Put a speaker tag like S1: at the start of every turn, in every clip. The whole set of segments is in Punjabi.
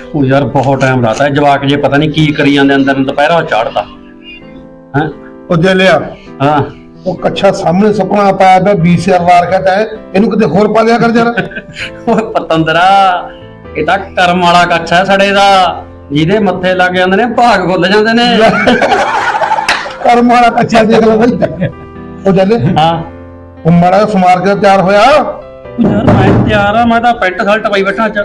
S1: ਉਹ ਯਾਰ ਬਹੁਤ ਟਾਈਮ ਲਾਤਾ ਜਵਾਕ ਜੇ ਪਤਾ ਨਹੀਂ ਕੀ ਕਰੀ ਜਾਂਦੇ ਅੰਦਰ ਨੂੰ ਦੁਪਹਿਰਾ ਚਾੜਦਾ ਹੈ।
S2: ਉਹ ਜੇ ਲਿਆ
S1: ਹਾਂ
S2: ਉਹ ਕੱਛਾ ਸਾਹਮਣੇ ਸੁਪਨਾ ਪਾਇਆ ਪਿਆ 20,000 ਵਾਰ ਕਹਤਾ ਹੈ ਇਹਨੂੰ ਕਿਤੇ ਹੋਰ ਪਾ ਲਿਆ ਕਰ ਜਰਾ।
S1: ਉਹ ਪਤੰਦਰਾ ਇਹ ਤਾਂ ਕਰਮ ਵਾਲਾ ਕੱਛ ਹੈ ਸੜੇ ਦਾ, ਜਿਹਦੇ ਮੱਥੇ ਲੱਗ ਜਾਂਦੇ ਨੇ ਭਾਗ ਖੁੱਲ ਜਾਂਦੇ ਨੇ।
S2: ਕਰਮ ਵਾਲਾ ਕੱਛਾ ਦੇਖ ਲੈ ਬਈ। ਉਹ ਜਲੇ
S1: ਹਾਂ
S2: ਉਹ ਮਾੜਾ ਜਿਹਾ ਸਮਾਰ ਕੇ ਤਿਆਰ ਹੋਇਆ।
S1: ਯਾਰ ਮੈਂ ਤਿਆਰ ਆ, ਮੈਂ ਤਾਂ ਪੈਂਟ ਸ਼ਰਟ ਪਾਈ ਬੈਠਾ ਅੱਜ।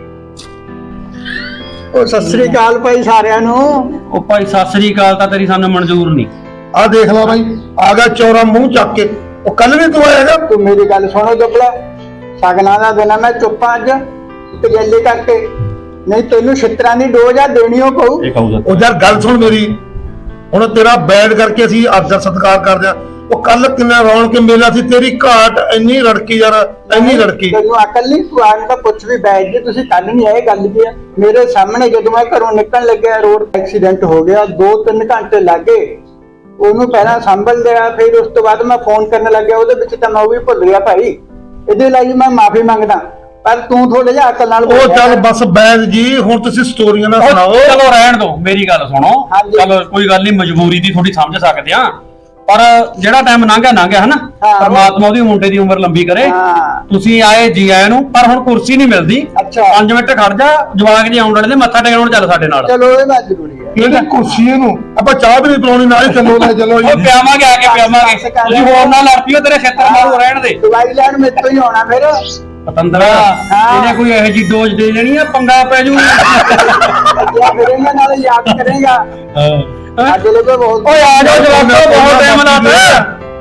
S3: ਉਹ ਸਤਿ ਸ੍ਰੀ ਅਕਾਲ ਭਾਈ ਸਾਰਿਆਂ ਨੂੰ।
S1: ਉਹ ਭਾਈ ਸਤਿ ਸ੍ਰੀ ਅਕਾਲ ਤਾਂ ਤੇਰੀ ਸਾਨੂੰ ਮਨਜ਼ੂਰ ਨਹੀਂ।
S2: ਆਹ ਦੇਖ ਲਾ ਬਾਈ ਆ ਗਿਆ ਚੌਰਾ ਮੂੰਹ ਚੱਕ ਕੇ। ਉਹ ਕੱਲ ਵੀ ਤੂੰ ਆਏਗਾ।
S3: ਤੂੰ ਮੇਰੀ ਗੱਲ ਸੁਣੋ ਦੁੱਬਲਾ, ਸਗਨਾਂ ਦਾ ਦਿਨ ਆ, ਮੈਂ ਚੁੱਪਾਂ ਅੱਜ ਤਜੱਲੀ ਕਰਕੇ, ਨਹੀਂ ਤੈਨੂੰ ਛਿੱਤਰਾਂ ਦੀ ਡੋਜ਼ ਆ ਦੇਣੀ ਓ ਪਊ।
S1: ਇਹ ਕਹੂਗਾ
S2: ਉਹ ਯਾਰ ਗੱਲ ਸੁਣ ਮੇਰੀ, ਹੁਣ ਤੇਰਾ ਬੈਠ ਕਰਕੇ ਅਸੀਂ ਆਦਰ ਸਤਿਕਾਰ ਕਰਦੇ ਆ। ਉਹ ਕੱਲ ਕਿੰਨਾ ਰੌਣਕ ਮੇਲਾ ਸੀ, ਤੇਰੀ ਘਾਟ ਇੰਨੀ ਰੜਕੀ ਯਾਰ, ਇੰਨੀ ਰੜਕੀ।
S3: ਤੈਨੂੰ ਅਕਲ ਨਹੀਂ, ਤੂੰ ਆਣ ਤਾਂ ਪੁੱਛ ਵੀ ਬੈਠ ਜੀ, ਤੁਸੀਂ ਕੱਲ ਨਹੀਂ ਆਏ, ਗੱਲ ਕੀ ਆ। ਮੇਰੇ ਸਾਹਮਣੇ ਜਦੋਂ ਮੈਂ ਘਰੋਂ ਨਿਕਲਣ ਲੱਗਿਆ ਰੋਡ ਐਕਸੀਡੈਂਟ ਹੋ ਗਿਆ, 2-3 ਘੰਟੇ ਲੱਗੇ ਉਹਨੂੰ ਪਹਿਲਾਂ ਸੰਭਲ ਲਿਆ, ਫਿਰ ਉਸ ਤੋਂ ਬਾਅਦ ਮੈਂ ਫੋਨ ਕਰਨ ਲੱਗਿਆ, ਉਹਦੇ ਵਿੱਚ ਤਾਂ ਮੈਂ ਉਹ ਵੀ ਭੁੱਲ ਗਿਆ ਭਾਈ। ਇਹਦੇ ਲਈ ਮੈਂ ਮਾਫੀ ਮੰਗਦਾ, ਪਰ ਤੂੰ ਥੋੜਾ ਜਿਹਾ ਅਕਲ ਨਾਲ
S2: ਉਹ ਚੱਲ ਬਸ ਬੈਠ ਜੀ, ਹੁਣ ਤੁਸੀਂ ਸਟੋਰੀਆਂ ਨਾ ਸੁਣਾਓ।
S1: ਚਲੋ ਰਹਿਣ ਦੋ, ਮੇਰੀ ਗੱਲ ਸੁਣੋ।
S3: ਹਾਂਜੀ।
S1: ਚਲੋ ਕੋਈ ਗੱਲ ਨਹੀਂ, ਮਜਬੂਰੀ ਦੀ ਥੋੜੀ ਸਮਝ ਸਕਦੇ ਆ, ਪਰ ਜਿਹੜਾ ਟਾਈਮ ਲੰਘਿਆ ਹਨਾ,
S3: ਹਾਂ।
S1: ਪਰਮਾਤਮਾ ਉਹਦੀ ਮੁੰਡੇ ਦੀ ਉਮਰ ਲੰਬੀ ਕਰੇ।
S3: ਹਾਂ।
S1: ਤੁਸੀਂ ਆਏ ਜੀ ਆਇਆਂ ਨੂੰ, ਪਰ ਹੁਣ ਕੁਰਸੀ ਨਹੀਂ ਮਿਲਦੀ।
S3: ਅੱਛਾ।
S1: 5 ਮਿੰਟ ਖੜ ਜਾ, ਜਵਾਕ ਜੀ ਆਉਣ ਵਾਲੇ ਨੇ, ਮੱਥਾ ਟੇਕਣ ਚੱਲ ਸਾਡੇ ਨਾਲ।
S3: ਚਲੋ ਇਹ ਬਾਤ ਜ਼ਰੂਰੀ ਹੈ।
S2: ਇਹਦੀ ਕੁਰਸੀ ਨੂੰ ਆਪਾਂ ਚਾਹ ਵੀ ਨਹੀਂ ਪਿਲਾਉਣੀ, ਨਾਲ ਹੀ ਚੱਲੋ ਲੈ ਚੱਲੋ
S1: ਉਹ ਪਿਆਵਾਂਗੇ, ਆ ਕੇ ਪਿਆਵਾਂਗੇ। ਤੁਸੀਂ ਹੋਰ ਨਾ ਲੜ ਪਿਓ, ਤੇਰੇ ਛੇਤਰ ਮਾਰੂ ਰਹਿਣ ਦੇ।
S3: ਦਵਾਈ ਲੈਣ ਮੇਰੇ ਤੋਂ ਹੀ ਆਉਣਾ ਫਿਰ।
S1: ਪਤੰਦਰਾ ਇਹਨੇ ਕੋਈ ਇਹੋ ਜੀ ਡੋਜ਼ ਦੇ ਦੇਣੀ ਆ, ਪੰਗਾ ਪੈ ਜੂ।
S3: या फिर इन्हें नाले याद करेगा। आज लोग बहुत
S1: ਓਏ ਆ ਜਾਓ ਜਵਾਕੋ, ਬਹੁਤ ਟਾਈਮ ਲਾਤਾ।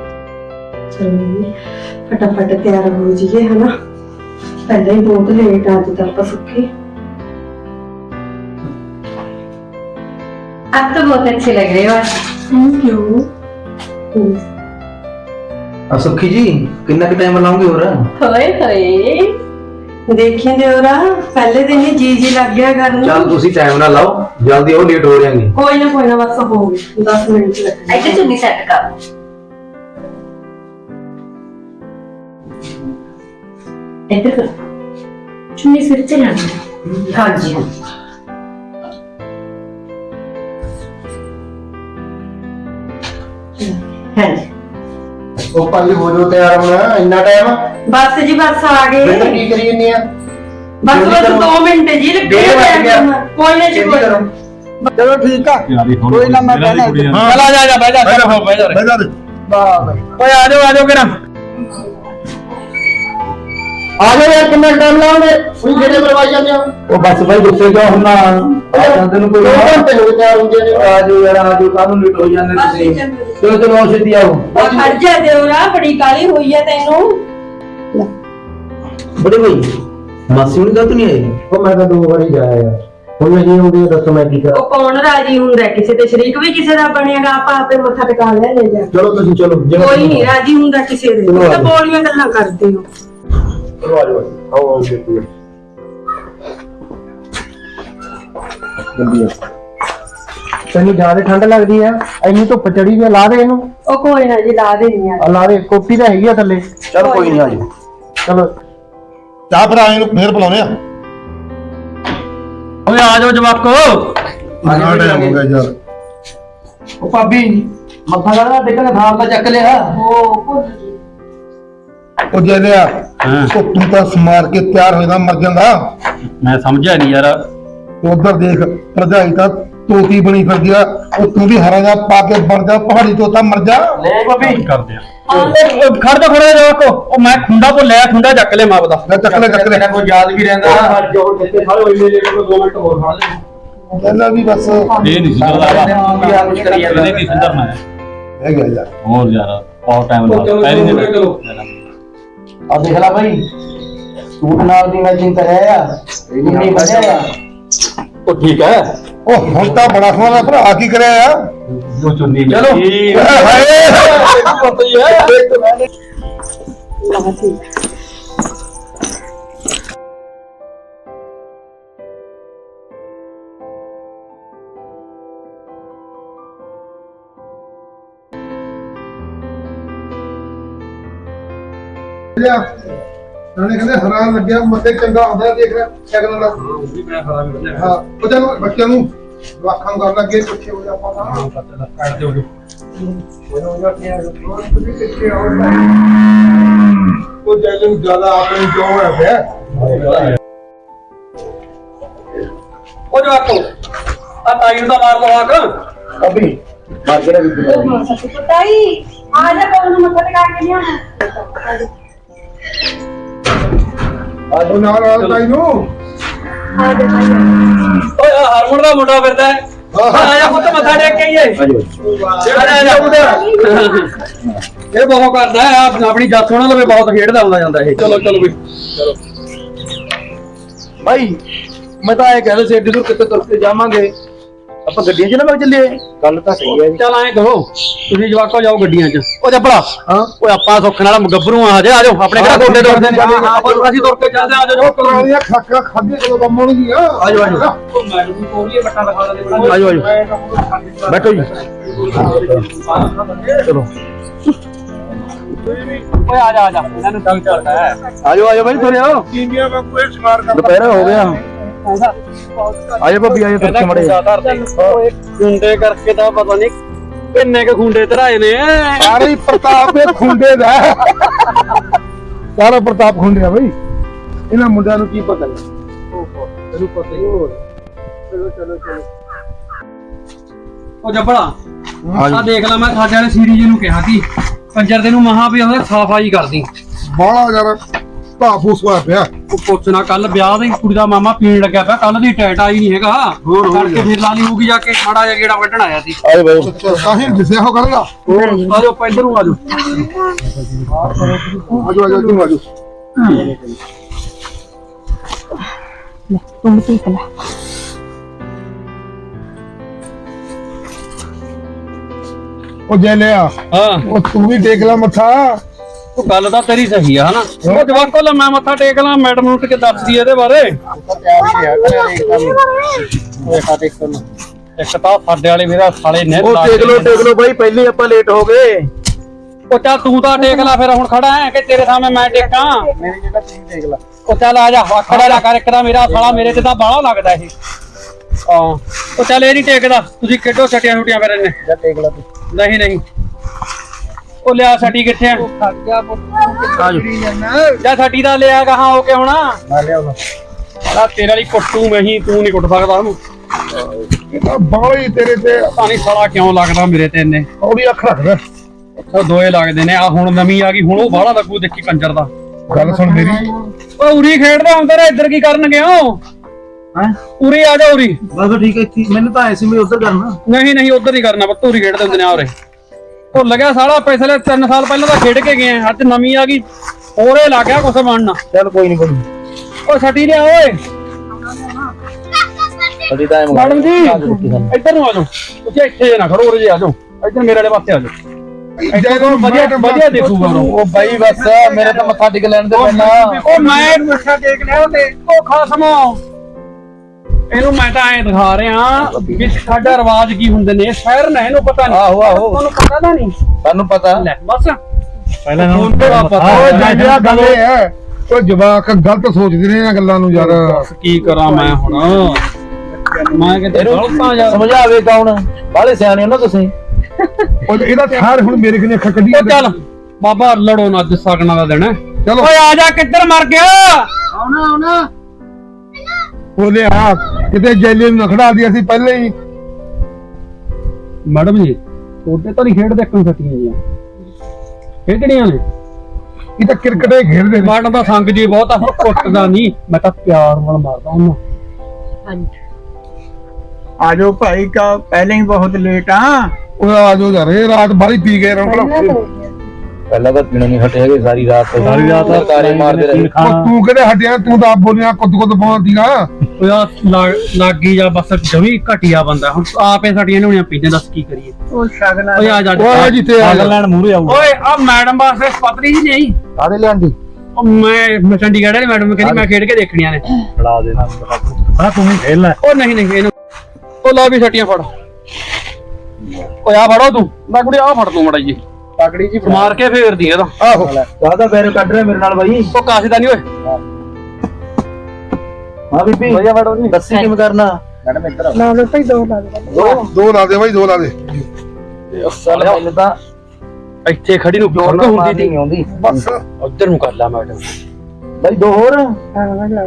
S4: फटाफट तैयार हो जाइए, है ना। पहले ही बहुत लेट आज तक सुखी।
S5: आप तो बहुत अच्छे लग रहे हो आज।
S4: Thank you.
S6: सुखी जी कितना के टाइम बनाओगे हो रहा?
S5: होए होए
S4: देखिए देवरा, पहले दिन ही जी लग गया घर में।
S6: चल तुसी टाइम ना लाओ, जल्दी हो लेट हो जाएंगे।
S4: कोई ना बस हो गए 10 मिनट लगेंगे।
S5: ऐसे चुन्नी सेट कर। इधर कर। चुन्नी सिर से लानी। हाँ जी हाँ। हाँ जी।
S6: ओ पाली हो जो तैयार होना इतना टाइम?
S4: बस जी बस आ गए।
S6: बेटा की करी जन्नी है?
S4: बस बस 2 मिनट जी लगे। कोई ना जी कोई।
S3: चलो ठीक है, कोई ना मैं कहना है।
S1: चल आ जा, बैठ जा, बैठ जा।
S2: ਬਹਿ ਜਾ ਦੇ।
S3: वाह भाई।
S1: ਓਏ ਆ ਜਾਓ ਕਿਰਾ।
S6: आ जाओ यार, कितना टाइम लाओगे? कोई गेड़े मरवाई जाते हो? ओ बस भाई गुस्से क्यों होना? आ जाते नु कोई 2 घंटे हो गए तैयार होंगे। आ जाओ यार, आ जाओ, कानून लेट हो जाने तुसी। चलो चलो आओ सीधी आओ।
S4: खड़ जा देवरा, बड़ी काली हुई है तेनू।
S6: बड़े भाई मासी हुन का तो नहीं आई? ओ मैं तो 2 बार ही जाया यार। ਹੁਣ ਨਹੀਂ ਹੁੰਦੀ ਦੱਸੋ ਮੈਂ ਕੀ ਕਰਾਂ?
S4: ਉਹ ਕੌਣ ਰਾਜੀ ਹੁੰਦਾ, ਕਿਸੇ ਤੇ ਸ਼ਰੀਕ ਵੀ ਕਿਸੇ ਦਾ ਬਣੇਗਾ, ਆਪਾਂ ਆਪੇ ਮੱਥਾ ਟਿਕਾ ਲੈ ਜਾ।
S6: ਚਲੋ ਤੁਸੀਂ ਚਲੋ।
S4: ਕੋਈ ਨਹੀਂ ਰਾਜੀ ਹੁੰਦਾ ਕਿਸੇ ਦੇ, ਤੁਸੀਂ ਤਾਂ ਬੋਲੀਆਂ ਗੱਲਾਂ ਕਰਦੇ ਹੋ।
S6: ਚਲੋ ਆ ਜਾਓ, ਆਓ ਜਲਦੀ ਜਲਦੀ। ਤੈਨੂੰ ਜ਼ਿਆਦਾ ਠੰਡ ਲੱਗਦੀ ਆ? ਇੰਨੀ ਧੁੱਪ ਚੜੀ ਵੀ ਲਾ ਦੇ ਇਹਨੂੰ।
S4: ਉਹ ਕੋਈ ਨਾ ਜੀ ਲਾ ਦੇਣੀ ਆ।
S6: ਲਾ ਦੇ, ਕੋਟੀ ਤਾਂ ਹੈਗੀ ਆ ਥੱਲੇ। ਚਲ ਕੋਈ ਨਹੀਂ, ਆ ਜਾਓ। ਚਲੋ
S2: ਚਾਹ ਫਿਰ ਆਏ ਨੂੰ ਫੇਰ ਬੁਲਾਉਣੇ ਆ।
S1: ਓਏ ਆ ਜਾਓ ਜਵਾਕੋ।
S2: ਨਾ ਟਾਈਮ ਹੋ ਗਿਆ ਯਾਰ।
S6: ਉਹ ਭਾਬੀ ਮੱਥਾ ਲਾ ਟਿਕਣ ਥਾਲ ਦਾ ਚੱਕ ਲਿਆ।
S2: ਉਹ ਜੇ ਲਿਆ
S1: ਹਾਂ।
S2: ਉਹ ਤੂੰ ਤਾਂ ਸਮਾਰ ਕੇ ਤਿਆਰ ਹੋਏਗਾ ਮਰ ਜਾਂਦਾ।
S1: ਮੈਂ ਸਮਝਿਆ ਨਹੀਂ ਯਾਰ।
S2: ਉਧਰ ਦੇਖ ਭਰਜਾਈ ਤਾਂ ਤੋਤੀ ਬਣੀ ਫਿਰਦੀ ਆ, ਉਹ ਤੂੰ ਵੀ ਹਰਾ ਜਾ ਪਾ ਕੇ ਬਣ ਜਾ ਪਹਾੜੀ ਤੋਤਾ ਮਰ ਜਾ।
S6: ਲੈ ਭਾਬੀ
S1: ਕਰਦੇ ਆ। ਖੜ ਜਾ ਜਵਾਕੋ, ਉਹ ਮੈਂ ਖੁੰਡਾ ਭੁੱਲਿਆ, ਖੁੰਡਾ ਚੱਕ ਲੈ ਮਾਪ ਦਾ।
S2: ਲੈ ਚੱਕ ਲੈ
S6: ਕੋਈ ਯਾਦ ਵੀ ਰਹਿੰਦਾ। ਜੋੜ ਕਿੱਥੇ ਸਾਰੇ ਹੋਈ ਮੇਰੇ ਕੋਲ 2 ਮਿੰਟ ਹੋਰ ਫੜ ਲੈ।
S2: ਕਹਿੰਦਾ ਵੀ ਬਸ
S1: ਇਹ ਨਹੀਂ ਸੁਧਰਦਾ ਇਹਨੇ ਨਹੀਂ ਸੁਧਰਨਾ ਹੈ।
S2: ਹੈ ਗਿਆ ਯਾਰ।
S1: ਹੋਰ ਯਾਰ ਬਹੁਤ ਟਾਈਮ ਲੱਗਦਾ ਪਹਿਲੀ ਦਿਨ।
S6: ਆ ਦੇਖ ਲੈ ਭਾਈ, ਸੂਟ ਨਾਲ ਦੀ ਮੈਚਿੰਗ ਤਾਂ ਹੈ ਆ, ਇਹ ਨਹੀਂ ਬਣਿਆ।
S1: ਉਹ ਠੀਕ ਹੈ।
S2: ਉਹ ਹੁਣ ਤਾਂ ਬੜਾ ਸੋਹਣਾ ਭਰਾ ਕੀ ਕਰਿਆ ਆ।
S1: ਜੋ ਚੁੰਨੀ
S6: ਚਲੋ।
S2: ਹਾਏ
S1: ਪਤਾ ਹੀ ਹੈ।
S2: ਨਾਲੇ ਕਹਿੰਦੇ ਹਰਾ ਲੱਗਿਆ ਮੱਥੇ ਚੰਗਾ ਹੁੰਦਾ ਦੇਖ ਰਿਹਾ ਸ਼ਗਨ ਦਾ
S1: ਉਹ ਵੀ ਮੈਂ ਖਰਾ ਵੀ ਬੰਨਿਆ
S2: ਹਾਂ ਉਹ ਚਲੋ ਬੱਚਿਆਂ ਨੂੰ ਵਾਖਾਂ ਨੂੰ ਕਰਨ ਲੱਗੇ ਪਿੱਛੇ ਹੋ ਜਾ ਆਪਾਂ ਤਾਂ
S1: ਕੱਢ ਦਿਓ ਜੋ
S2: ਉਹ ਜੈਲੇ ਨੂੰ ਜ਼ਿਆਦਾ ਆਪਣੇ ਜੋ ਹੋਇਆ ਪਿਆ
S1: ਉਹ ਜੋ ਆਕੋ ਆ ਤਾਈ ਨੂੰ ਤਾਂ ਮਾਰ ਲਓ ਆਕ
S6: ਅਭੀ ਮਾਰ ਕੇ ਵੀ
S4: ਤਾਈ ਆ ਜਾ ਕੋਲ ਨੂੰ ਮੱਥਾ ਟਿਕਾ ਕੇ ਲਿਆ
S2: ਉਹ ਨਾਲ ਆ ਤਾਈ ਨੂੰ
S4: ਆ ਜਾ ਤਾਈ
S1: ਓਏ ਆ ਹਰਮਨ ਦਾ ਮੁੰਡਾ ਫਿਰਦਾ ਹੈ ਆ ਜਾ ਪੁੱਤ ਮੱਥਾ ਟੇਕ ਕੇ ਆਈਏ ਇਹ ਬਹੁਤ ਕਰਦਾ ਹੈ ਆਪਣੀ ਜੱਤ ਉਹਨਾਂ ਲਵੇ ਬਹੁਤ ਖੇਡਦਾ ਹੁੰਦਾ ਜਾਂਦਾ ਇਹ ਚਲੋ ਚਲੋ ਵੀ
S6: ਭਾਈ ਮੈਂ ਤਾਂ ਇਹ ਕਹਿੰਦਾ ਸੀ ਏਡੀ ਦੂਰ ਕਿੱਥੇ ਤੁਰ ਕੇ ਜਾਵਾਂਗੇ ਆਪਾਂ ਗੱਡੀਆਂ 'ਚ ਨਾ ਲੱਗ ਚੱਲੀਏ ਗੱਲ ਤਾਂ ਸਹੀ ਹੈ ਜੀ
S1: ਚੱਲ ਐਂ ਕਰੋ ਤੁਸੀਂ ਜਵਾਕੋ ਜਾਓ ਗੱਡੀਆਂ 'ਚ ਉਹ ਜੱਬੜਾ
S6: ਹਾਂ
S1: ਓਏ ਆਪਾਂ ਸੁੱਖ ਨਾਲ ਗੱਭਰੂ ਆ ਹਜੇ ਆਜੋ ਆਪਣੇ ਕਿਹੜਾ ਗੋਡੇ ਦੁਖਦੇ ਨੇ ਅਸੀਂ ਤੁਰ ਕੇ ਚੱਲਦੇ ਆਜੋ
S2: ਪੁਰਾਣੀਆਂ ਖਾਕਾਂ ਖਾਧੀਆਂ ਕਦੋਂ ਕੰਮ ਆਉਣਗੀਆਂ
S1: ਆਜੋ ਆਜੋ ਮੈਡਮ ਨੂੰ ਕੋਲੀਏ ਬੱਟਾ ਦਿਖਾ ਦੇ
S6: ਆਜੋ ਆਜੋ ਬੈਠੋ ਜੀ ਚਲੋ
S1: ਓਏ ਆ ਜਾ ਇਹਨਾਂ ਨੂੰ ਤੰਗ ਕਰਦਾ ਹੈ
S6: ਆਜੋ ਆਜੋ ਭਾਈ ਤੁਰੇ ਆਓ
S2: ਇੰਡੀਆ ਵਾਂਗੂ ਇਹ ਸ਼ਿਕਾਰ ਕਰ
S6: ਦੁਪਹਿਰ ਹੋ ਗਿਆ ਆਜੋ ਭਾਬੀ ਆਜੋ ਤੁਰ ਕੇ ਮੜੇ
S1: ਓਏ ਖੁੰਡੇ ਕਰਕੇ ਤਾਂ ਪਤਾ ਨਹੀਂ ਕਿੰਨੇ ਕੁ ਖੁੰਡੇ ਧਰਾਏ ਨੇ
S2: ਸਾਰੇ ਪ੍ਰਤਾਪ ਇਹ ਖੁੰਡੇ ਦਾ ਸਾਰਾ ਪ੍ਰਤਾਪ ਖੁੰਡਿਆ ਬਈ ਇਹਨਾਂ ਮੁੰਡਿਆਂ ਨੂੰ ਕੀ ਪਤਾ
S1: ਤੈਨੂੰ ਪਤਾ ਹੀ ਹੋਰ ਚਲੋ ਉਹ ਜੱਬੜਾ ਆ ਦੇਖ ਲੈ ਮੈਂ ਸਾਡੇ ਵਾਲੇ ਸੀਰੀਜ਼ ਨੂੰ ਕਿਹਾ ਸੀ ਕੰਜਰ ਦੇ ਨੂੰ ਮਹਾ ਵੀ ਉਹਦਾ ਸਫਾਈ ਕਰਦੀ
S2: ਬਾਹਲਾ ਯਾਰ ਭਾਫੂਸ ਹੋਇਆ ਪਿਆ
S1: ਉਹ ਪੁੱਛਣਾ ਕੱਲ ਵਿਆਹ ਦੀ ਕੁੜੀ ਦਾ ਮਾਮਾ ਪੀਣ ਲੱਗਿਆ ਪਿਆ ਕੱਲ ਦੀ ਟੈਟ ਆਈ ਨਹੀਂ ਹੈਗਾ ਕਰਕੇ ਫਿਰ ਲਾ ਲਈ ਹੋਊਗੀ ਜਾ ਕੇ ਮਾੜਾ ਜਿਹਾ ਗੇੜਾ ਵੱਢਣ ਆਇਆ ਸੀ
S6: ਆਜੋ ਭਾਈ
S2: ਕਾਹੇ ਦਿਸਿਆ ਹੋ ਕਰੇਗਾ
S1: ਆਜੋ ਪੈਦਰ ਨੂੰ ਆਜੋ
S2: ਆਜੋ ਆਜੋ ਤੂੰ ਆਜੋ
S4: ਤੂੰ ਠੀਕ ਲੈ
S2: ਉਹ ਜੇ ਲਿਆ
S1: ਹਾਂ
S2: ਉਹ ਤੂੰ ਵੀ ਦੇਖ ਲੈ ਮੱਥਾ
S1: ਉਹ ਗੱਲ ਤਾਂ ਤੇਰੀ ਸਹੀ ਆ ਹਨਾ ਉਹ ਜਵਾਕੋ ਲੈ ਮੈਂ ਮੱਥਾ ਟੇਕ ਲਾਂ ਮੈਡਮ ਨੂੰ ਕਿ ਦੱਸਦੀ ਇਹਦੇ ਬਾਰੇ ਇੱਕ ਤਾਂ ਸਾਡੇ ਵਾਲੇ ਮੇਰਾ ਸਾਲੇ ਨੇ
S6: ਉਹ ਦੇਖ ਲਓ ਭਾਈ ਪਹਿਲੇ ਆਪਾਂ ਲੇਟ ਹੋ ਗਏ
S1: ਉਹ ਚੱਲ ਤੂੰ ਤਾਂ ਟੇਕ ਲੈ ਫਿਰ ਹੁਣ ਖੜਾ ਹੈ ਕਿ ਤੇਰੇ ਸਾਹਮਣੇ ਮੈਂ ਟੇਕਾਂ
S6: ਮੇਰੀ ਜਗ੍ਹਾ ਤੁਸੀਂ ਦੇਖ ਲੈ
S1: ਉਹ ਚੱਲ ਆ ਜਾ ਖੜਾ ਜਾ ਕਰ ਇੱਕ ਤਾਂ ਮੇਰਾ ਸਾਲਾ ਮੇਰੇ ਤੇ ਤਾਂ ਬਾਹਲਾ ਲੱਗਦਾ ਇਹ ਹਾਂ ਉਹ ਚੱਲ ਇਹ ਨਹੀਂ ਟੇਕਦਾ ਤੁਸੀਂ ਕਿੱਡੋ ਛਟੀਆਂ ਛੁੱਟੀਆਂ ਫਿਰ ਇਹਨੇ
S6: ਜਾ ਦੇਖ ਲੈ ਤੂੰ
S1: ਨਹੀਂ ਉਹ ਲਿਆ ਸਾਡੀ ਕਿੱਥੇ ਆ
S6: ਆਜੋ
S1: ਜਾਂ ਸਾਡੀ ਦਾ ਲਿਆ ਕਹਾਂ ਹੋ ਕੇ ਹੋਣਾ
S6: ਨਾ ਲਿਆਓ
S1: ਆ ਤੇਰੇ ਵਾਲੀ ਕੁੱਟੂ ਮੈਂ ਹੀ ਤੂੰ ਨਹੀਂ ਕੁੱਟ ਸਕਦਾ ਉਹਨੂੰ
S2: ਬਾਹਲੀ ਤੇਰੇ ਤੇ
S1: ਪਤਾ ਨਹੀਂ ਸਾਲਾ ਕਿਉਂ ਲੱਗਦਾ ਮੇਰੇ ਤੇ ਇੰਨੇ
S2: ਉਹਦੀ ਅੱਖ ਰੱਖਦਾ
S1: ਉਹ ਦੋਏ ਲੱਗਦੇ ਨੇ ਆ ਹੁਣ ਨਵੀਂ ਆ ਗਈ ਹੁਣ ਉਹ ਬਾਹਲਾ ਲੱਗੂ ਦੇਖੀ ਕੰਜਰ ਦਾ
S2: ਗੱਲ ਸੁਣ ਮੇਰੀ
S1: ਉਹ ਉਰੀ ਖੇਡਦਾ ਹੁੰਦਾ ਰੇ ਇੱਧਰ ਕੀ ਕਰਨ ਗਿਆ
S6: ਹੈ
S1: ਉਰੀ ਆ ਜਾ ਉਰੀ
S6: ਬਸ ਠੀਕ ਹੈ ਇੱਥੇ ਮੈਨੂੰ ਤਾਂ ਐਸੀ ਮੈਂ ਉਧਰ ਕਰਨਾ
S1: ਨਹੀਂ ਉਧਰ ਨਹੀਂ ਕਰਨਾ ਪੁੱਤ ਉਰੀ ਖੇਡਦੇ ਹੁੰਦੇ ਨੇ ਆ ਉਰੇ ਉਹ ਲੱਗਿਆ ਸਾਲਾ ਪਿਛਲੇ 3 ਸਾਲ ਪਹਿਲਾਂ ਤਾਂ ਖੇਡ ਕੇ ਗਏ ਆ ਅੱਜ ਨਵੀਂ ਆ ਗਈ ਹੋਰੇ ਲੱਗ ਗਿਆ ਕੁਛ ਬਣਨਾ
S6: ਚੱਲ ਕੋਈ ਨਹੀਂ ਕੋਈ
S1: ਉਹ ਛੱਡੀ ਲਿਆ ਓਏ
S6: ਅਜੀ ਤਾਂ
S1: ਮੈਡਮ ਜੀ ਇੱਧਰ ਨੂੰ ਆ ਜਾਓ ਤੁਸੀਂ ਇੱਥੇ ਨਾ ਖੜੋ ਉਰੇ ਜੇ ਆ ਜਾਓ ਇੱਧਰ ਮੇਰੇ ਵਾਲੇ ਪਾਸੇ ਆ ਜਾਓ
S2: ਜਦੋਂ
S1: ਵਧੀਆ ਦੇਖੂਗਾ
S6: ਉਹ ਬਾਈ ਬਸ ਮੇਰੇ ਤਾਂ ਮੱਥਾ ਟਿਕ ਲੈਣ ਦੇ ਪਹਿਲਾਂ
S1: ਉਹ ਮੈਂ ਮੱਥਾ ਟੇਕ ਲਿਆ ਤੇ ਉਹ ਖਸਮੋ ਇਹਨੂੰ ਮੈਂ ਤਾਂ ਐਂ ਦਿਖਾ ਰਿਹਾ ਕਿ ਸਾਡਾ ਰਿਵਾਜ ਕੀ ਹੁੰਦੇ ਨੇ ਸ਼ਹਿਰ ਨੇ ਇਹਨੂੰ ਪਤਾ ਨਹੀਂ
S6: ਆਹੋ
S1: ਤੁਹਾਨੂੰ ਪਤਾ ਤਾਂ ਨਹੀਂ
S6: ਤੁਹਾਨੂੰ ਪਤਾ
S1: ਲੈ ਬਸ
S6: ਪਹਿਲਾਂ
S1: ਹੁਣ ਤਾਂ ਪਤਾ
S2: ਉਹ ਜਿਹੜਾ ਗੱਲ ਇਹ ਹੈ ਉਹ ਜਵਾਕ ਗਲਤ ਸੋਚਦੇ ਨੇ ਇਹਨਾਂ ਗੱਲਾਂ ਨੂੰ ਯਾਰ
S1: ਕੀ ਕਰਾਂ ਮੈਂ ਹੁਣ ਮੈਂ ਕਿਤੇ ਗਲਤਾਂ ਯਾਰ
S6: ਸਮਝਾਵੇ ਕੌਣ ਬਾਹਲੇ ਸਿਆਣੇ ਹੋ ਨਾ ਤੁਸੀਂ
S2: ਉਹ ਇਹਦਾ ਠਾਰ ਹੁਣ ਮੇਰੇ ਕਿਨੇ ਅੱਖਾਂ ਕੱਢੀਆਂ
S1: ਉਹ ਚੱਲ ਬਾਬਾ ਲੜੋ ਨਾ ਅੱਜ ਸਗਣਾ ਦਾ ਦਿਨ ਹੈ
S2: ਚਲੋ
S1: ਓਏ ਆ ਜਾ ਕਿੱਧਰ ਮਰ ਗਿਆ
S6: ਆਉਣਾ
S2: ਬੋਲੇ ਆ ਕਿਤੇ ਜੈਲੇ ਨੂੰ ਨਖੜਾ ਦਿਆ ਸੀ ਪਹਿਲੇ ਹੀ
S1: ਮੈਡਮ ਜੀ ਛੋਟੇ ਤਾਂ ਨਹੀਂ ਖੇਡ ਦੇਖਣ ਸਕੀਆਂ ਜੀ ਖੇਡਣੀਆਂ ਨੇ
S2: ਇਹ ਤਾਂ ਕ੍ਰਿਕਟ ਹੀ ਖੇਡਦੇ ਨੇ
S1: ਮੈਡਮ ਦਾ ਸੰਗ ਜੀ ਬਹੁਤ ਆ ਕੁੱਟਦਾ ਨਹੀਂ ਮੈਂ ਤਾਂ ਪਿਆਰ ਨਾਲ ਮਾਰਦਾ ਉਹਨੂੰ
S3: आजो भाई का पहले ही बहुत लेट हाँ
S2: ਉਹ ਆ ਜੋ ਯਾਰ ਇਹ ਰਾਤ ਬਾਰੀ ਪੀ ਗਏ ਰੌਣਕ
S6: ਪਹਿਲਾਂ ਤਾਂ ਪੀਣਾ ਨਹੀਂ ਹਟੇ ਹੈਗੇ ਸਾਰੀ ਰਾਤ ਤਾਰੇ ਮਾਰਦੇ ਰਹੇ
S2: ਉਹ ਤੂੰ ਕਿਹੜੇ ਹਟਿਆ ਤੂੰ ਤਾਂ ਆਪ ਬੋਲਿਆ ਕੁੱਦ ਪਾਉਂਦੀ ਨਾ
S1: ਉਹ ਯਾਰ ਲੱਗੀ ਜਾ ਬਸ ਜਮੀ ਘਟਿਆ ਬੰਦਾ ਹੁਣ ਆਪੇ ਸਾਡੀਆਂ ਨੋਣੀਆਂ ਪੀਂਦੇ ਦੱਸ ਕੀ ਕਰੀਏ
S3: वो शगना
S1: ਓਏ ਆ ਜਾ
S2: ਉਹ ਜਿੱਥੇ ਆ ਜਾ।
S6: ਲੈਣ ਮੂਰੇ ਆਊ
S1: ਓਏ ਆ ਮੈਡਮ ਵਾਸਤੇ ਪਤਰੀ ਜੀ ਨਹੀਂ
S6: ਕਾਹਦੇ ਲਿਆਂਦੀ
S1: ਉਹ ਮੈਂ ਚੰਡੀਗੜ੍ਹ ਵਾਲੀ ਮੈਡਮ ਕਹਿੰਦੀ ਮੈਂ ਖੇਡ ਕੇ ਦੇਖਣੀਆਂ ਨੇ
S6: ਖੜਾ ਦੇਣਾ ਆ ਤੂੰ ਹੀ ਖੇਲ ਲੈ
S1: ਉਹ ਨਹੀਂ ਇਹਨੂੰ ਉਹ ਲਾ ਵੀ ਛਟੀਆਂ ਫੜ ਓਏ ਆ ਫੜੋ ਤੂੰ ਮੈਂ ਕੁੜੀ ਆ ਫੜ ਤੂੰ ਮੜਾ ਜੀ
S6: ਪਕੜੀ ਜੀ
S1: ਮਾਰ ਕੇ ਫੇਰਦੀ ਇਹਦਾ।
S2: ਆਹੋ
S6: ਕਾਹਦਾ ਬੈਰ ਕੱਢ ਰਿਹਾ ਮੇਰੇ ਨਾਲ ਬਾਈ।
S1: ਉਹ ਕਾਸੇ ਦਾ ਨਹੀਂ ਓਏ।
S6: ਹਾਂ ਬੀਬੀ ਵਧੀਆ ਵੜੋ ਨਹੀਂ ਦੱਸੀ ਕਿਵੇਂ ਕਰਨਾ ਮੈਡਮ ਇੱਧਰ ਆਓ।
S4: ਨਾਲ ਭਾਈ ਦੋ ਲਾ ਦੇ
S2: ਦੋ ਲਾ ਦੇ ਬਾਈ, ਦੋ ਲਾ ਦੇ।
S6: ਚੱਲ ਮੈਨੂੰ ਤਾਂ
S1: ਇੱਥੇ ਖੜੀ ਨੂੰ
S6: ਜੋਰ
S1: ਕਿਉਂ
S6: ਨਾਲ
S1: ਹੁੰਦੀ
S6: ਨਹੀਂ ਆਉਂਦੀ।
S2: ਬਸ
S1: ਉਧਰ ਨੂੰ ਕਰ ਲਾ ਮੈਡਮ।
S6: ਬਾਈ ਦੋ ਹੋਰ
S4: ਹਾਂ ਲਾ ਦੇ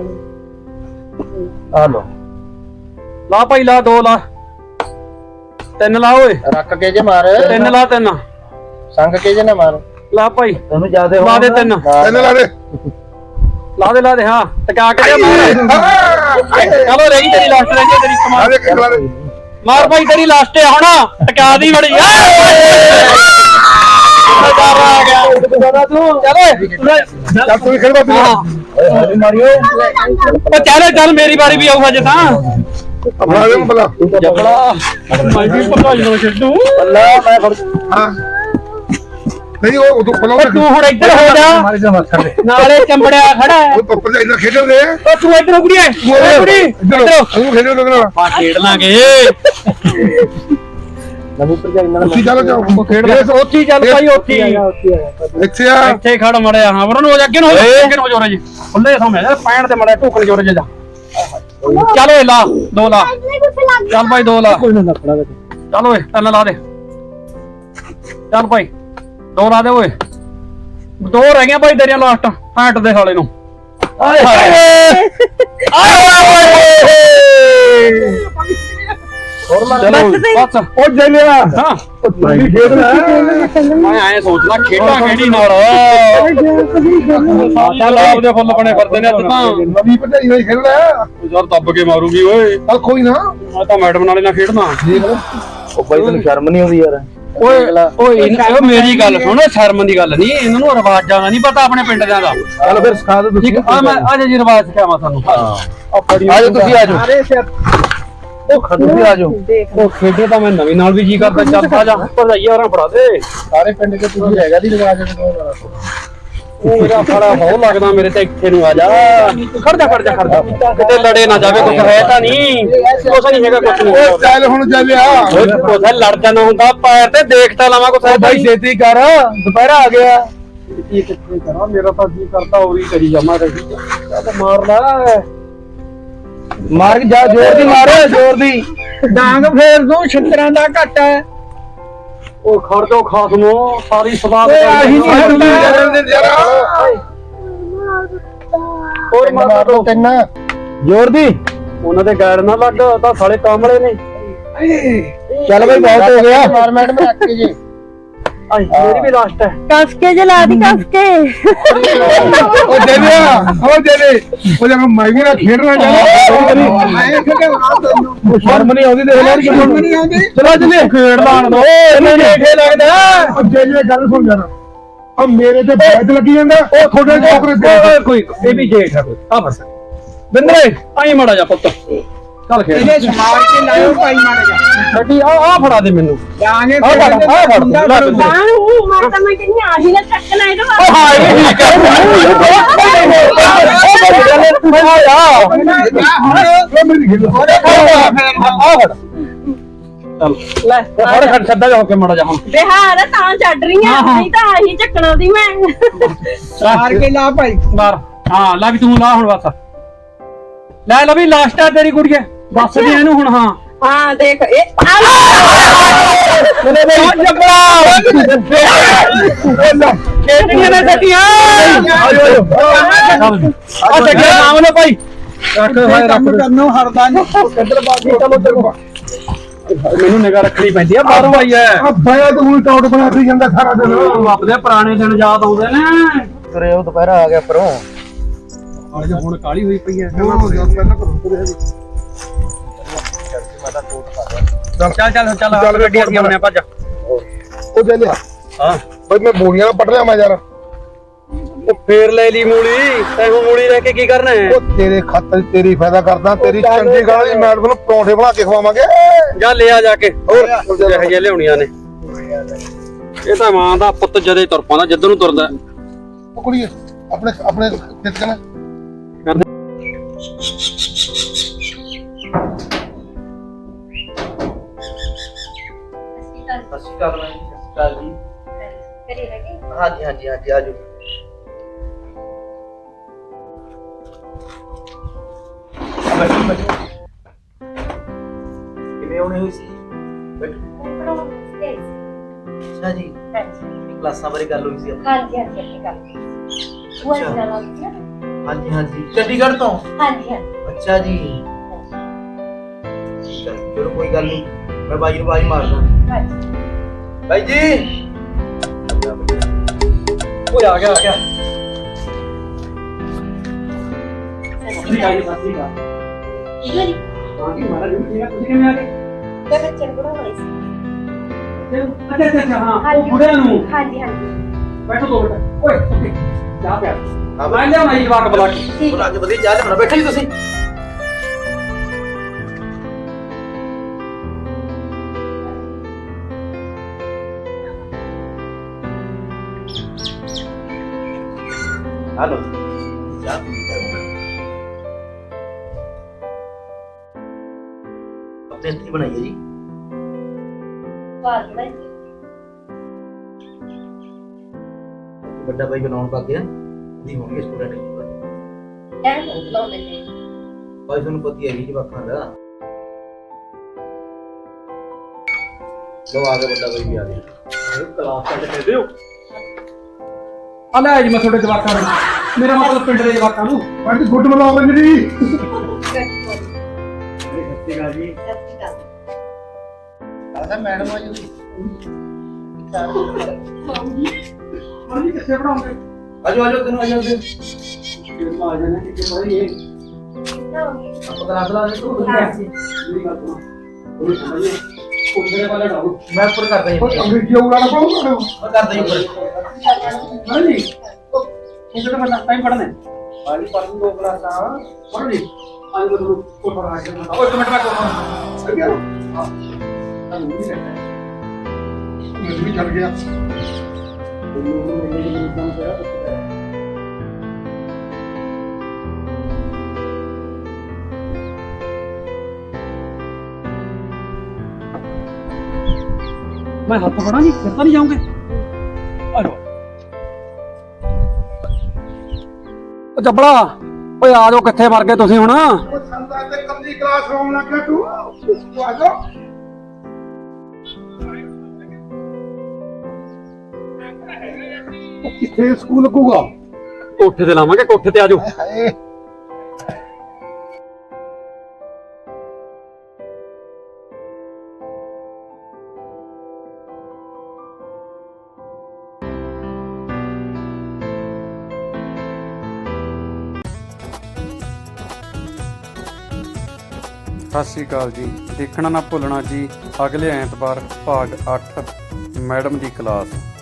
S6: ਆ ਲੋ
S1: ਲਾ ਭਾਈ ਲਾ, ਦੋ ਲਾ, ਤਿੰਨ ਲਾ ਓਏ,
S6: ਰੱਖ ਕੇ ਜੇ ਮਾਰ
S1: ਤਿੰਨ ਲਾ, ਤਿੰਨ
S6: ਸੰਗ ਕੇ ਜੇ ਨਾ ਮਾਰ
S1: ਲਾ ਭਾਈ,
S6: ਤੈਨੂੰ ਜਿਆਦੇ
S1: ਲਾ ਦੇ ਤਿੰਨ,
S2: ਇਹਨੇ ਲਾ ਦੇ।
S1: ਲਾ ਦੇ ਹਾਂ, ਟਕਾ ਕੇ ਦੇ ਮਾਰ। ਚਲੋ ਰਹੀ ਤੇਰੀ ਲਾਸਟ ਰਹਿ ਗਈ, ਤੇਰੀ
S2: ਲਾ
S1: ਕਮਾਲ
S2: ਦੇ, ਲਾ ਦੇ।
S1: ਮਾਰ ਭਾਈ, ਤੇਰੀ ਲਾਸਟ ਹੈ ਹੁਣ, ਟਕਾ ਦੀ ਬੜੀ ਆ ਗਿਆ।
S2: ਚੱਲ ਤੂੰ ਵੀ ਖੇਡ ਬਾਬੀ।
S1: ਹਾਂ
S6: ਮਾਰਿਓ
S1: ਉਹ ਚੱਲ ਮੇਰੀ ਵਾਰੀ ਵੀ ਆਊਗਾ ਜੇ ਤਾਂ
S2: ਆਪਣਾ ਦੇ ਬਲਾ।
S1: ਜੱਪੜਾ ਮੈਂ ਵੀ ਭਗਾਈ ਨੂੰ ਛੱਡੂ।
S6: ਅੱਲਾ ਮੈਂ ਫੜ
S2: ਹਾਂ ਨਹੀਂ ਉਹ ਤੂੰ ਬਲਾ।
S1: ਉਹ ਤੂੰ ਹੁਣ ਇੱਧਰ ਹੋ ਜਾ,
S6: ਮਾਰੀ ਜਾ ਮੱਥਾ ਦੇ
S1: ਨਾਲੇ ਚੰਬੜਿਆ ਖੜਾ ਹੈ।
S2: ਉਹ ਪੱਪਰ ਜਾ ਇੰਨਾ ਖੇਡਣ ਦੇ।
S1: ਉਹ ਤੂੰ ਇੱਧਰ ਕੁੜੀਏ, ਕੁੜੀ ਇੱਧਰ
S2: ਤੂੰ ਖੇਡੋ ਲੋਕ ਨਾਲ।
S1: ਪਾ ਖੇਡ ਲਾਂਗੇ।
S6: ਨਵੀਂ ਭਰਜਾਈ ਨਾਲ
S2: ਉੱਥੇ ਚੱਲ ਜਾਓ।
S1: ਉਹ ਖੇਡ ਉੱਥੇ ਹੀ ਚੱਲ ਭਾਈ, ਉੱਥੇ ਹੀ
S2: ਇੱਥੇ ਆ।
S1: ਇੱਥੇ ਖੜ ਮੜਿਆ। ਹਾਂ ਵਰਨ ਹੋ ਜਾ, ਅੱਗੇ ਨੂੰ ਹੋ ਜਾ, ਅੱਗੇ ਨੂੰ ਹੋ ਜਾ ਜੀ। ਖੁੱਲੇ ਸਮੇਂ ਯਾਰ ਪੈਣ ਤੇ ਮੜਿਆ ਢੋਕਣ ਜੋਰੇ ਜਾ। ਚੱਲ ਓਏ ਲਾ, ਦੋ ਲਾ, ਚੱਲ ਭਾਈ ਦੋ ਲਾ।
S6: ਕੋਈ ਨਾ ਲੱਪੜਾ ਵਿੱਚ
S1: ਚੱਲ ਓਏ ਤਿੰਨ ਲਾ ਦੇ, ਚੱਲ ਭਾਈ ਦੋ ਲਾ ਦੇ ਓਏ। ਦੋ ਰਹਿ ਗਈਆਂ ਭਾਈ ਤੇਰੀਆਂ ਲਾਸਟ। ਹੈਂਟ ਦੇ ਸਾਲੇ ਨੂੰ। ਆਏ ਹਾਏ ਚਲੋ ਬਸ।
S2: ਉਹ ਜਲਿਆ।
S1: ਹਾਂ
S2: ਨਹੀਂ ਖੇਡਣਾ।
S1: ਮੈਂ ਐਂ ਸੋਚਦਾ ਖੇਡਾਂ ਕਿਹੜੀ ਨਾਲ। ਚੱਲ ਆਪਦੇ ਫੁੱਲ ਬਣੇ ਫਿਰਦੇ ਨੇ ਅੱਜ ਤਾਂ।
S2: ਨਵੀਂ ਭਰਜਾਈ ਨਾਲ ਖੇਡਣਾ।
S1: ਯਾਰ ਦੱਬ ਕੇ ਮਾਰੂਗੀ ਓਏ।
S2: ਚੱਲ ਕੋਈ ਨਾ।
S1: ਮੈਂ ਤਾਂ ਮੈਡਮ ਨਾਲੇ ਨਾਲ ਖੇਡਣਾ।
S6: ਉਹ ਬਾਈ ਤੈਨੂੰ ਸ਼ਰਮ ਨਹੀਂ ਆਉਂਦੀ ਯਾਰ।
S1: ਓਏ ਉਹ ਮੇਰੀ ਗੱਲ ਸੁਣ, ਸ਼ਰਮ ਦੀ ਗੱਲ ਨਹੀਂ, ਇਹਨਾਂ ਨੂੰ ਰਿਵਾਜਾਂ ਦਾ ਨਹੀਂ ਪਤਾ ਆਪਣੇ ਪਿੰਡ ਦਿਆਂ ਦਾ।
S6: ਚੱਲ ਫਿਰ ਸਿਖਾ ਦੇ ਤੁਸੀਂ।
S1: ਠੀਕ ਆ, ਮੈਂ ਅੱਜ ਜੀ ਰਿਵਾਜ ਸਿਖਾਵਾਂ ਤੁਹਾਨੂੰ।
S6: ਆਜੋ ਤੁਸੀਂ ਆਜੋ। ਉਹ ਤੁਸੀਂ ਆਜੋ।
S1: ਉਹ ਖੇਡੇ ਤਾਂ ਮੈਂ ਨਵੀਂ ਨਾਲ ਵੀ ਜੀ ਕਰਦਾ। ਚੱਲ ਆ ਜਾ, ਭਰਜਾਈ ਹੋਰਾਂ ਫੜਾ ਦੇ।
S6: ਸਾਰੇ ਪਿੰਡ ਦੇ ਤੁਸੀਂ ਹੈਗਾ ਦੀ ਰਿਵਾਜ
S1: ਉਹ ਮੇਰਾ ਸਾਲਾ ਬਹੁਤ ਲੱਗਦਾ ਮੇਰੇ ਤੇ। ਇੱਥੇ ਨੂੰ ਆ ਜਾ, ਖੜ ਜਾ ਕਿਤੇ ਲੜੇ ਨਾ ਜਾਵੇ। ਕੁਛ ਹੈ ਤਾਂ ਨਹੀਂ, ਕੁਛ ਨਹੀਂ ਹੈਗਾ, ਕੁਛ
S2: ਉਹ
S1: ਨਹੀਂ।
S2: ਚੱਲ ਹੁਣ ਚੱਲਿਆ।
S1: ਕੁਛ ਲੜ ਜਾਣਾ ਹੁੰਦਾ ਪੈਰ ਤੇ, ਦੇਖ ਤਾਂ ਲਵਾਂ ਕੁਛ ਹੈ
S6: ਬਾਈ ਛੇਤੀ ਕਰ ਦੁਪਹਿਰਾ ਆ ਗਿਆ।
S1: ਕੀ ਕਿੱਥੇ ਕਰਾਂ, ਮੇਰਾ ਤਾਂ ਜੀ ਕਰਦਾ ਉਹ ਵੀ ਕਰੀ ਜਾਵਾਂ। ਚੱਲ ਮਾਰ ਲੈ,
S6: ਮਾਰ ਕੇ ਜਾ, ਜ਼ੋਰ ਦੀ ਮਾਰ, ਜ਼ੋਰ ਦੀ।
S3: ਡਾਂਗ ਫੇਰ ਦੂੰ ਛਿੱਤਰਾਂ ਦਾ ਘੱਟ ਹੈ।
S1: ਉਹ ਖੜ ਜਾਓ ਖਾਸਮੋ, ਸਾਰੀ ਸਵਾਦ
S3: ਆਹੀ ਨਹੀਂ ਹੁੰਦਾ।
S1: ਹੋਰ
S6: ਮਾਰ ਦੋ ਤਿੰਨ ਜ਼ੋਰ ਦੀ।
S1: ਉਹਨਾਂ ਦੇ ਗੈਰ ਨਾ ਲੱਗ, ਤਾਂ ਸਾਲੇ ਕਾਮਲੇ ਨੇ।
S6: ਚੱਲ ਬਾਈ ਬਹੁਤ ਹੋ ਗਿਆ। ਮਾਰ ਮੈਡਮ ਰੱਖ ਕੇ ਜੀ।
S1: ਮੇਰੀ ਵੀ ਲਾਸਟ ਹੈ।
S4: ਕਸ ਕੇ ਜਲਾ ਦੀ ਕਸ ਕੇ
S2: ਉਹ ਜਲਿਆ। ਉਹ ਜਲੇ। ਉਹ ਜਦ ਮੈਂ ਵੀ ਨਾ ਖੇਡਣਾ ਚਾਹੁੰਦਾ।
S3: ਮੈਂ ਕਿਹਾ
S6: ਉਹ ਸ਼ਰਮ ਨਹੀਂ ਆਉਂਦੀ ਦੇਖ ਲੈ।
S3: ਸ਼ਰਮ ਨਹੀਂ ਆਉਂਦੀ।
S6: ਚਲੋ ਜਲੇ ਖੇਡ ਲਾਣ ਦੋ। ਇਹਨੂੰ ਦੇਖੇ ਲੱਗਦਾ।
S2: ਉਹ ਜਲੇ ਗੱਲ ਸੁਣ ਜਾਣਾ। ਆ ਮੇਰੇ ਤੇ ਬੈਠ ਲੱਗੀ ਜਾਂਦਾ। ਉਹ ਤੁਹਾਡੇ ਚੋਕਰੇ
S1: ਕੋਈ ਇਹ ਵੀ ਜੇਠ ਹੈ ਕੋਈ। ਆ ਬਸ ਬਿੰਦਰੇ ਆਈ ਮੜਾ ਜਾ ਪੁੱਤ, ਚੱਲ ਖੇਡ।
S3: ਇਹਨੇ ਸਮਾਰ ਕੇ ਲਾਇਓ ਭਾਈ ਮਾਰ ਜਾ।
S1: ਛੱਡੀ ਆ ਫੜਾ ਦੇ ਮੈਨੂੰ।
S3: ਡਾਂਗੇ
S1: ਆ ਫੜ ਲੈ ਬਿੰਦਰੇ।
S4: ਨੂੰ ਮਾਤਾ ਮੈਂ ਕਹਿੰਦੀ ਆਹੀ ਨਾ ਚੱਕਣਾ ਇਹਦੇ
S1: ਉਹ ਹਾਏ ਠੀਕ ਹੈ। ਲੈ ਫੜ ਖੜ ਛੱਡਾ ਜਾ ਹੋ ਕੇ ਮੜਾ ਜਾ ਹੁਣ।
S4: ਬਿਹਾਰ ਤਾਂ ਛੱਡ ਰਹੀ ਆ, ਨਹੀਂ ਤਾਂ ਆਹੀ ਚੱਕਣਾ ਦੀ ਮੈਂ।
S3: ਮਾਰ ਕੇ ਲਾ ਭਾਈ।
S1: ਮਾਰ। ਹਾਂ ਲਾ ਵੀ ਤੂੰ ਲਾ ਹੁਣ ਬਸ। ਲੈ ਵੀ ਲਾਸਟ ਆ ਤੇਰੀ ਕੁੜੀਏ, ਦੱਸ ਦੇ ਇਹਨੂੰ ਹੁਣ। ਹਾਂ
S4: ਹਾਂ ਦੇਖ ਇਹ
S1: ਖੇਡਣੀਆਂ ਨੇ ਸੱਟੀਆਂ। ਆ ਚੱਕਿਆ ਨਾਮ ਨੇ ਭਾਈ।
S3: ਕੰਮ ਕਰਨੋਂ ਹਰਦਾ ਨਹੀਂ।
S2: ਕਿੱਧਰ ਬਾਗੀ। ਚਲੋ ਚਲੋ।
S1: ਮੈਨੂੰ ਨਿਗਾਹ ਰੱਖਣੀ ਪੈਂਦੀ ਆ, ਬਾਹਰੋਂ ਆਈ ਐ।
S2: ਆ ਬਾਇਆ ਤੂੰ ਟੌਟ ਬਣਾ ਕੇ ਜਾਂਦਾ ਸਾਰਾ ਦਿਨ।
S1: ਆਪਦੇ ਪੁਰਾਣੇ ਦਿਨ ਯਾਦ ਆਉਂਦੇ ਨੇ।
S6: ਤੁਰੇ ਉਹ ਦੁਪਹਿਰਾ ਆ ਗਿਆ ਪਰੋਂ।
S1: ਅੱਜ ਹੁਣ ਕਾਲੀ ਹੋਈ ਪਈ ਐ। ਚੱਲ ਗੱਡੀ ਅੱਗੇ ਆਉਣੇ ਭੱਜ।
S2: ਉਹ ਜਲਿਆ।
S1: ਹਾਂ
S2: ਬਈ ਮੈਂ ਬੋਰੀਆਂ ਨਾਲ ਪੜ ਲਿਆ ਮੈਂ ਯਾਰ।
S1: ਉਹ ਫੇਰ ਲੈ ਲਈ ਮੂਲੀ। ਤੈਨੂੰ ਮੂਲੀ ਲੈ ਕੇ ਕੀ ਕਰਨਾ ਹੈ?
S2: ਉਹ ਤੇਰੇ ਖਾਤਰ ਤੇਰੀ ਫਾਇਦਾ ਕਰਦਾ। ਤੇਰੀ ਚੰਗੀ ਗੱਲ ਦੀ ਮੈਡਮ ਨੂੰ ਪਰੌਂਠੇ ਬਣਾ ਕੇ ਖਵਾਵਾਂਗੇ।
S1: ਜਾ ਲਿਆ ਜਾ ਕੇ,
S2: ਹੋਰ
S1: ਜਿਹੇ ਜਿਹੇ ਲਿਆਉਣੀਆਂ ਨੇ। ਇਹ ਤਾਂ ਮਾਂ ਦਾ ਪੁੱਤ ਜਦੇ ਤੁਰ ਪਾਉਂਦਾ ਜਿੱਧਰ ਨੂੰ ਤੁਰਦਾ।
S2: ਉਹ ਕੁੜੀਏ ਆਪਣੇ ਆਪਣੇ ਖੇਤ ਕਨਾ।
S6: ਹਾਂਜੀ ਹਾਂਜੀ ਆਜੋ। ਕਿਵੇਂ ਆਉਣੇ ਹੋਈ ਸੀ? ਬੈਠੋ। ਅੱਛਾ ਜੀ, ਕਲਾਸਾਂ ਬਾਰੇ ਗੱਲ ਹੋਈ ਸੀ ਆਪਣੀ।
S5: ਹਾਂਜੀ ਹਾਂਜੀ ਆਪਣੀ ਗੱਲ ਉਹ
S6: ਅੱਛਾ।
S5: ਨਾਲ ਨਾਲ ਨਾ
S6: ਹਾਂਜੀ ਹਾਂਜੀ, ਚੰਡੀਗੜ੍ਹ ਤੋਂ।
S5: ਹਾਂਜੀ ਹਾਂਜੀ
S6: ਅੱਛਾ ਜੀ, ਠੀਕ ਹੈ, ਚਲੋ ਕੋਈ ਗੱਲ ਨਹੀਂ, ਮੈਂ ਬਾਈ ਨੂੰ ਆਵਾਜ਼ ਮਾਰਦਾ।
S5: ਹਾਂਜੀ
S6: ਬਾਈ ਜੀ,
S1: ਓਏ ਆ ਗਿਆ
S5: ਸਤਿ
S1: ਠੀਕ
S5: ਸ਼੍ਰੀ
S1: ਆ
S5: ਅਕਾਲ
S1: ਜੀ, ਸਤਿ ਸ਼੍ਰੀ ਅਕਾਲ।
S5: ਠੀਕ ਹੈ ਜੀ
S1: ਹਾਂ ਜੀ ਮਹਾਰਾਜ ਜੀ, ਠੀਕ ਆ, ਤੁਸੀਂ ਕਿਵੇਂ ਆ ਗਏ?
S5: ਤੇ ਬੱਚੇ ਨੂੰ ਪੜਾਉਣਾ ਸੀ
S1: ਅੱਛਾ ਹਾਂ, ਉਹ ਬੁੜਿਆਂ ਨੂੰ
S5: ਹਾਂਜੀ ਹਾਂਜੀ
S1: ਬੈਠੋ 2 ਮਿੰਟ। ਓਏ ਓਕੇ, ਚਾਹ ਪਿਆ
S6: ਹਾਂ
S1: ਮੈਂ ਲਿਆਉਣਾ ਜੀ ਜਵਾਕ ਬੁਲਾ ਕੇ।
S5: ਠੀਕ
S6: ਬੁਲਾ ਕੇ ਵਧੀਆ ਚਾਹ ਲਿਆਉਣਾ। ਬੈਠੋ ਜੀ ਤੁਸੀਂ। ਹਲੋ ਚਾਹ ਆਪਣੇ ਹੱਥੀਂ ਬਣਾਈ ਹੈ ਜੀ।
S5: ਬਾਤ ਬਣਾਈ
S6: ਵੱਡਾ ਭਾਈ ਬਣਾਉਣ ਪਾ ਗਿਆ ਦੀ ਹੋਣਗੇ ਸਟੂਡੈਂਟ
S5: ਟਾਈਮ ਹੋ ਲਾਉਂਦੇ ਨੇ
S6: ਭਾਈ ਤੁਹਾਨੂੰ ਪਤਾ ਹੀ ਹੈ ਜੀ ਜਵਾਕਾਂ ਦਾ। ਲੋ ਆ ਗਿਆ ਵੱਡਾ ਭਾਈ ਵੀ ਆ ਗਿਆ।
S1: ਕਲਾਸ ਕੱਢ ਕੇ ਦਿਓ। ਆ ਲੈ ਜੀ ਮੈਂ ਤੁਹਾਡੇ ਜਵਾਕਾਂ ਨੂੰ, ਮੇਰਾ ਮਤਲਬ ਪਿੰਡ ਦੇ ਜਵਾਕਾਂ ਨੂੰ।
S2: ਪੰਜ ਗੁੱਡ ਮਲਾਉਂਗੇ ਮੇਰੀ।
S1: ਸਤਿ ਸ਼੍ਰੀ ਅਕਾਲ ਜੀ।
S6: ਆਦਾ ਮੈਡਮ ਆ ਜੀ।
S1: ਹਾਂ ਜੀ, ਕਿੱਥੇ ਪੜਾਉਂਗੇ?
S6: ਆਜੋ ਆਜੋ ਤੈਨੂੰ ਆਜੋ ਤੇ
S1: ਆ ਜਾਣਾ ਕਿ ਪੜ੍ਹਾਈਏ।
S6: ਆਪਾਂ ਕਲਾਸ ਲਾ ਦੇ ਤੂੰ।
S1: ਮੇਰੀ ਗੱਲ ਸੁਣੋ, ਉਹ ਸਮਝੇ ਕੋਠੇ ਵਾਲਾ ਡਾਉ।
S6: ਮੈਂ ਉੱਪਰ ਕਰਦਾ ਜੀ।
S2: ਉਹ ਅੰਗਰੇਜ਼ੀ ਉਗਾੜਾ ਪਾਉਂਗਾ।
S6: ਮੈਂ ਕਰਦਾ ਜੀ ਉੱਪਰ।
S1: ਹਾਂ ਜੀ, ਉਹ ਕਿਹੜਾ ਬੰਦਾ ਟਾਈਮ ਪੜਨਾ ਹੈ? ਬਾਲੀ ਪੜਨ 2 ਕਲਾਸਾਂ ਪੜ੍ਹ ਲਈ। ਅੱਜ ਮੈਂ ਤੁਹਾਨੂੰ ਕੋਠਾ ਲਾ ਕੇ ਦਿੰਦਾ। ਓਏ 1 ਮਿੰਟ ਮੈਂ ਕੋਠਾ
S2: ਸਹੀ ਗਿਆ।
S1: ਹਾਂ ਤੁਹਾਨੂੰ ਨਹੀਂ ਲੱਗਦਾ
S2: ਮੈਨੂੰ ਵੀ ਚੱਲ ਗਿਆ।
S1: मैं हाथ पकड़ा नहीं, फिर तो नहीं जाऊंगे। जबड़ा ओए आ जाओ, किथे मर गए तुसीं हुण?
S2: ਉਹ ਸੰਦਾ ਤੇ ਕੱਲੀ ਕਲਾਸ ਲਾਉਣ ਲੱਗ ਗਿਆ ਤੂੰ ਆ ਜਾ। ਕਿੱਥੇ ਸਕੂਲ ਲੱਗੂਗਾ?
S1: कोठे ते लावांगे, कोठे ते आ जाओ।
S2: ਹਾਏ
S7: ਸਤਿ ਸ਼੍ਰੀ ਅਕਾਲ ਜੀ। ਦੇਖਣਾ ਨਾ ਭੁੱਲਣਾ ਜੀ ਅਗਲੇ ਐਤਵਾਰ ਭਾਗ 8 ਮੈਡਮ ਦੀ ਕਲਾਸ।